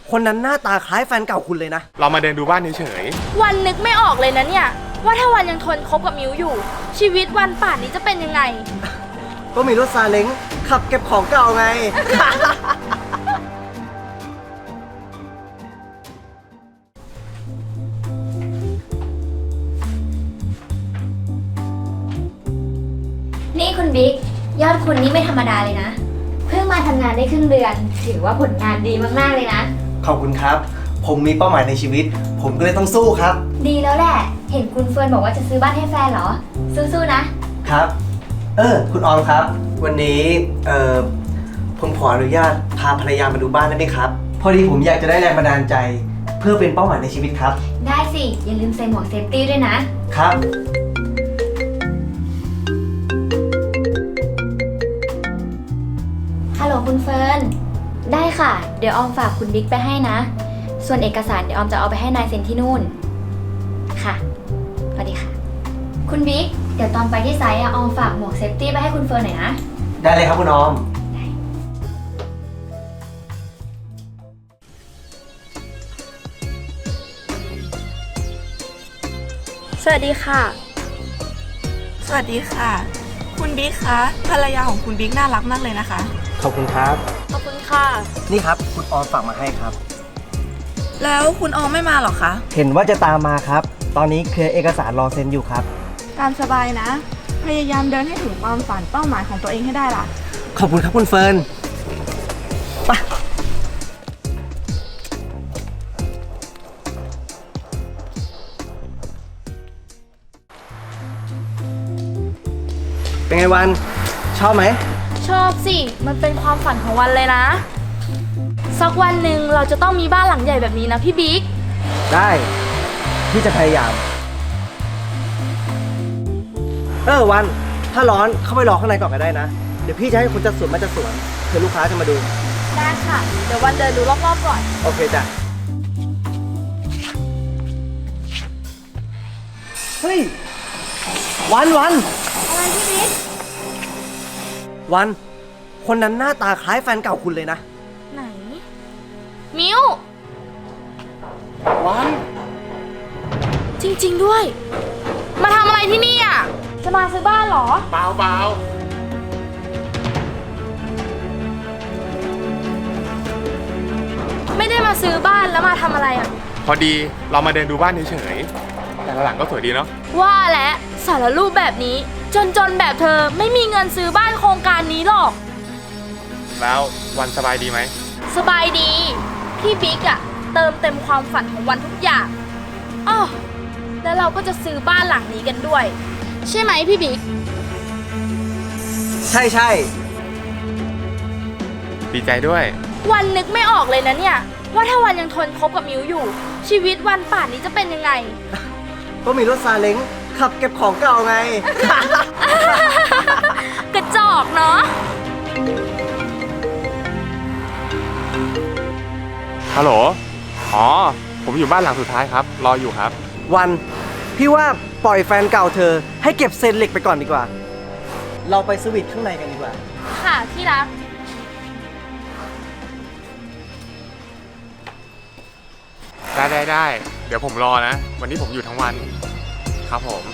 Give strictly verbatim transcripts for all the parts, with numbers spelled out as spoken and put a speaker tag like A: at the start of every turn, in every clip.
A: คนนั้นหน้าตาคล้ายแฟนเก่าคุณเลยนะ
B: เรามาเดินดูบ้านเฉย
C: ๆวันนึกไม่ออกเลยนะเนี่ยว่าถ้าวันยังทนคบกับมิวอยู่ชีวิตวันป่านนี้จะเป็นยังไง
A: ก็มีรถซาเล้งขับเก็บของเก่าไง
D: นี่คุณบิ๊กยอดคุณนี่ไม่ธรรมดาเลยนะเพิ่งมาทำงานได้ครึ่งเดือนถือว่าผลงานดีมากๆเลยนะ
A: ขอบคุณครับผมมีเป้าหมายในชีวิตผมก็เลยต้องสู้ครับ
D: ดีแล้วแหละเห็นคุณเฟิร์นบอกว่าจะซื้อบ้านให้แฟนเหรอสู้ๆนะครับ
A: เออคุณออมครับ วันนี้เออผมขออนุญาตพาภรรยามาดูบ้านได้ไหมครับพอดีผมอยากจะได้แรงบันดาลใจ เพื่อเป็นเป้าหมายในชีวิตครับ
D: ได้สิอย่าลืมใส่หมวกเซฟตี้ด้วยนะครับฮัลโหลคุณเฟิร์นได้ค่ะเดี๋ยวออมฝากคุณบิ๊กไปให้นะส่วนเอกสารเดี๋ยวออมจะเอาไปให้นายเซ็นที่นู่นค่ะสวัสดีค่ะคุณบิ๊กเดี๋ยวตอนไปที่ไซต์อะออมฝากหมวกเซฟตี้ไปให้คุณเฟิร์นหน่อยนะ
A: ได้เลยครับคุณออม
C: สวัสดีค่ะ
E: สวัสดีค่ะคุณบิ๊กคะภรรยาของคุณบิ๊กน่ารักมากเลยนะคะ
A: ขอบคุณครับ
C: ขอบคุณค่ะ
A: นี่ครับคุณออมฝากมาให้ครับ
E: แล้วคุณออมไม่มาหรอคะ
A: เห็นว่าจะตามมาครับตอนนี้เคลียร์เอกสารรอเซ็นอยู่ครับ
E: ตามสบายนะพยายามเดินให้ถึงความฝันเป้าหมายของตัวเองให้ได้ล่ะ
A: ขอบคุณครับคุณเฟิร์นไปเป็นไงวันชอบไหม
C: ชอบสิมันเป็นความฝันของวันเลยนะสักวันหนึ่งเราจะต้องมีบ้านหลังใหญ่แบบนี้นะพี่บิ๊ก
A: ได้พี่จะพยายามเออวันถ้าร้อนเข้าไปรอข้างในก่อนก็ได้นะเดี๋ยวพี่จะให้คนจัดสวนมาจัดสวนเผื่อลูกค้าจะมาดู
C: ได้ค่ะเดี๋ยววันเดินดูรอบๆก่อน
A: โอเคจ้ะเฮ้ยวันวัน
C: อะไรพี่บิ๊ก
A: วันคนนั้นหน้าตาคล้ายแฟนเก่าคุณเลยนะ
C: ไหนมิว
A: วัน
C: จริงๆด้วยมาทำอะไรที่นี่อ่ะจะมาซื้อบ้านเหรอ
B: เปล่าเปล่า
C: ไม่ได้มาซื้อบ้านแล้วมาทำอะไรอ่ะ
B: พอดีเรามาเดินดูบ้านเฉยๆแต่ละหลังก็สวยดีเนาะ
C: ว่าและสารรูปแบบนี้จนๆแบบเธอไม่มีเงินซื้อบ้านโครงการนี้หรอก
B: แล้ววันสบายดีไหม
C: สบายดีพี่บิ๊กอะเติมเต็มความฝันของวันทุกอย่างอ้อแล้วเราก็จะซื้อบ้านหลังนี้กันด้วยใช่ไหมพี่บิ๊ก
A: ใช่ใช่
B: ดีใจด้วย
C: วันนึกไม่ออกเลยนะเนี่ยว่าถ้าวันยังทนคบกับมิวอยู่ชีวิตวันป่านนี้จะเป็นยังไง
A: ก็มีรถซาเล้งขับเก็บของเก่าไง
C: กระจอกเนาะ
B: ฮัลโหลอ๋อผมอยู่บ้านหลังสุดท้ายครับรออยู่ครับ
A: วันพี่ว่าปล่อยแฟนเก่าเธอให้เก็บเศษเหล็กไปก่อนดีกว่าเราไปสวิตข้างในกันดีกว่า
C: ค่ะที่รัก
B: ได้ได้ได้เดี๋ยวผมรอนะวันนี้ผมอยู่ทั้งวันครับผม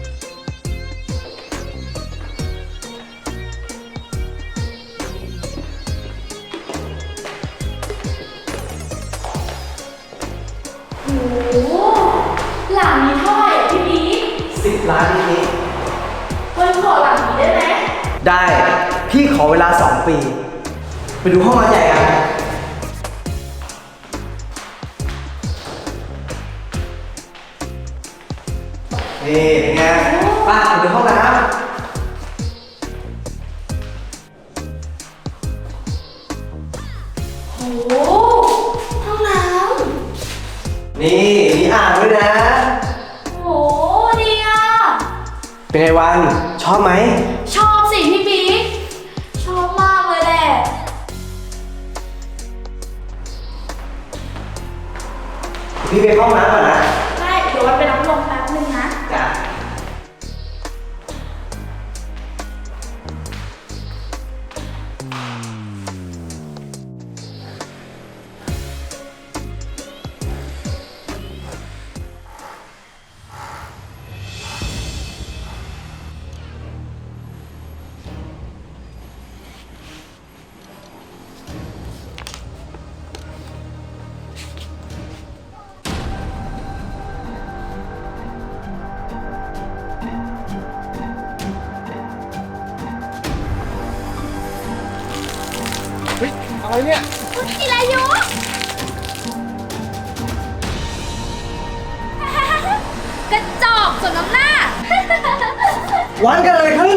C: โอ้หลังนี้เท่าไหร่พี่บิ๊ก
A: สิบล้านนี้
C: วันขอหลังนี้ได้ไหม
A: ได้พี่ขอเวลาสองปีไปดูห้องนอนใหญ่กันนี่เป็นไงป้าไปดูห้องน้ำ
C: โอ้ห้องน้
A: ำนี่มีอ่างด้วยนะ
C: โอ้ดีอ่ะ
A: เป็นไงวันชอบไหม
C: ชอบสิพี่บิ๊กชอบมากเลยแหละ
A: พี่ไปห้องน้ำก่อนนะ
C: ได้เดี๋ยววันไปรับลมแป๊บนึงนะ
A: จ้ะ
B: อะไรเนี่ย
C: คุณจิรายุ กระจอกสมน้ำหน้า
A: วันกันอะไรขึ้น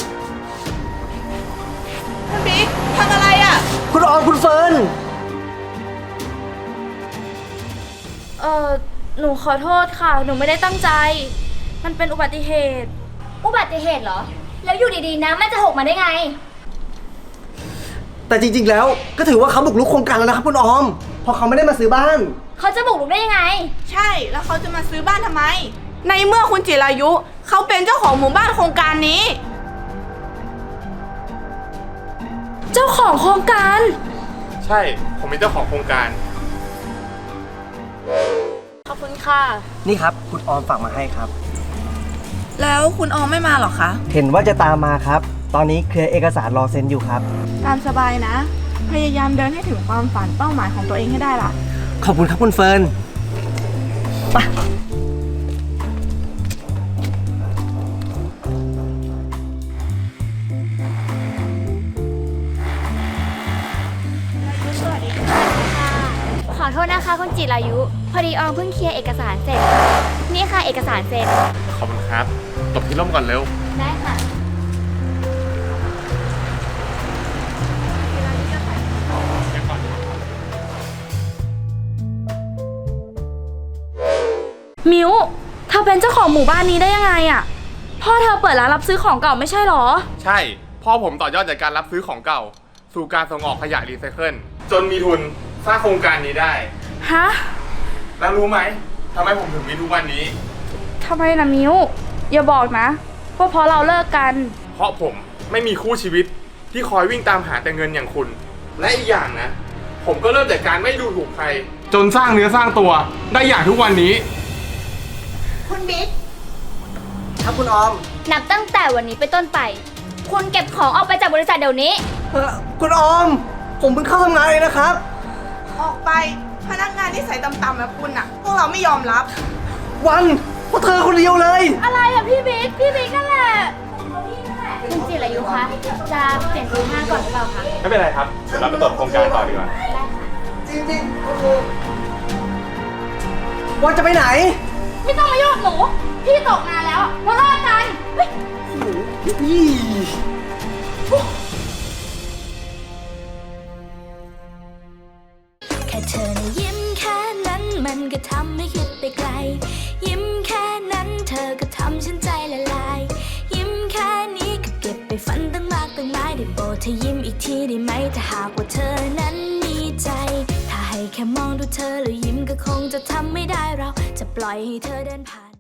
E: คุณบิ๊กทำอะไรอะ่ะ
A: คุณออมคุณเฟิร์น
C: เออหนูขอโทษค่ะ หนูไม่ได้ตั้งใจ มันเป็นอุบัติเหตุ
D: อุบัติเหตุเหรอ แล้วอยู่ดีๆน้ำมันจะหกมาได้ไง
A: แต่จริงๆแล้วก็ถือว่าเขาบุกรุกโครงการแล้วนะครับคุณออม เพราะเขาไม่ได้มาซื้อบ้าน
D: เขาจะบุกรุกได้ยังไง
E: ใช่ แล้วเขาจะมาซื้อบ้านทำไม ในเมื่อคุณจิรายุเขาเป็นเจ้าของหมู่บ้านโครงการนี้
C: เจ้าของโครงการ
B: ใช่ ผมเป็นเจ้าของโครงการ
C: ขอบคุณค่ะ
A: นี่ครับคุณออมฝากมาให้ครับ
E: แล้วคุณออมไม่มาหรอคะ
A: เห็นว่าจะตามมาครับ ตอนนี้เคลียร์เอกสารรอเซ็นอยู่ครับ
E: ตามสบายนะ พยายามเดินให้ถึงความฝันเป้าหมายของตัวเองให้ได้ล่ะ
A: ขอบคุณครับคุณเฟิร์นไป
D: ขอโทษนะคะคุณจิรายุ พอดีออมเพิ่งเคลียร์เอกสารเสร็จ นี่ค่ะเอกสารเซ็น
B: ขอบคุณครับตบที่ร่มก่อนเร็ว
D: ได้ค่ะ
C: มิวเธอเป็นเจ้าของหมู่บ้านนี้ได้ยังไงอะพ่อเธอเปิดร้านรับซื้อของเก่าไม่ใช่หรอ
B: ใช่ พ่อผมต่อยอดจากการรับซื้อของเก่า สู่การส่งออกขยะรีไซเคิลจนมีทุนสร้างโครงการนี้ได้
C: ฮะ
B: แล้วรู้ไหมทำไมผมถึงมีทุกวันนี้
C: ทำไมนะมิวอย่าบอกนะว่าเพราะเราเลิกกัน
B: เพราะผมไม่มีคู่ชีวิตที่คอยวิ่งตามหาแต่เงินอย่างคุณ และอีกอย่างนะ ผมก็เริ่มจากการไม่ดูถูกใคร จนสร้างเนื้อสร้างตัวได้อย่างทุกวันนี้
D: คุณบิ๊ก
A: ครับคุณออม
D: นับตั้งแต่วันนี้เป็นต้นไป คุณเก็บของออกไปจากบริษัทเดี๋ยวนี้
A: เอ่อคุณออม ผมเพิ่งเข้าทำงานเองนะครับ
E: ออกไป พนักงานที่ใส่ต่ำๆแบบคุณอ่ะ พวกเราไม่ยอมรับ
A: วันเพราะเธอคนเดียวเลย
C: อะไรอะพี่บิ๊กพี่บิ๊กนั่นแหละ
D: คุณจิรายุคะ จะเปลี่ยนรูปห้างก่อนหรือเปล่าคะ
B: ไม่เป็นไรครับ เดี๋ยวเราไปตรวจโครงการต่อดีกว่า
A: จริงๆโอ้โหวันจะไปไหน
C: ไม่ต้องมายุ่งกับหนู พี่ตกงานแล้วเราเลิกกันเฮ้ย
A: ยี่
F: แค่เธอนะยิ้มแค่นั้นมันก็ทำให้คิดไปไกล ยิ้มแค่นั้นเธอก็ทำฉันใจละลาย ยิ้มแค่นี้ก็เก็บไปฝันตั้งมากตั้งหลายได้โปรดเธอยิ้มอีกทีได้ไหมถ้าหากว่าเธอนั้นมีใจ ถ้าให้แค่มองดูเธอแล้วยิ้มก็คงจะทำไม่ได้เราจะปล่อยให้เธอเดินผ่าน